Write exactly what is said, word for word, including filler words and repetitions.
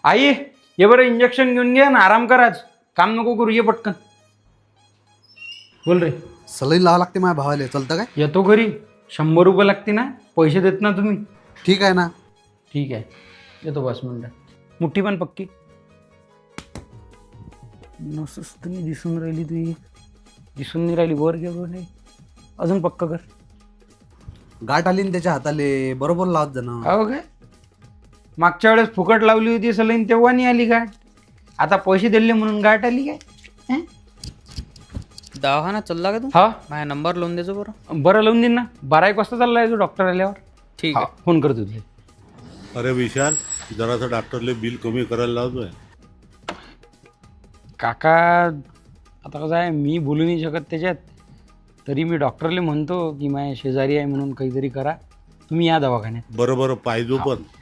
आई ये बरं इंजेक्शन घेऊन घे ना आराम कर आज काम नको करू ये पटकन बोल रे सलई लावा लागते माझ्या भावाला चलतं काय येतो घरी शंभर रुपये लागते ना पैसे देत ना तुम्ही ठीक आहे ना ठीक आहे येतो बस मिनटात मुठ्ठी पण पक्की नसत नाही दिसून राहिली तुझी दिसून नाही राहिली वर घे वर नाही अजून पक्का कर गाठ आली ना त्याच्या हाताले बरोबर लावत जाणं हो काय मागच्या वेळेस फुकट लावली होती सलाईन तेव्हा नाही आली गाठ आता पैसे दिले म्हणून गाठ आली काय हं? दवाखाना चालला का तू हा माझा नंबर लावून द्यायचो बरं बरं लावून देईन ना बारा एक वाजता चालला आहे तो डॉक्टर आल्यावर ठीक हा, आहे फोन करतो तुझे अरे विशाल जरासं डॉक्टरले बिल कमी करायला लावतोय काका आता कसं आहे मी बोलू नाही शकत त्याच्यात तरी मी डॉक्टरले म्हणतो की माझ्या शेजारी आहे म्हणून काहीतरी करा तुम्ही या दवाखान्यात बरं बरं पाहिजो पण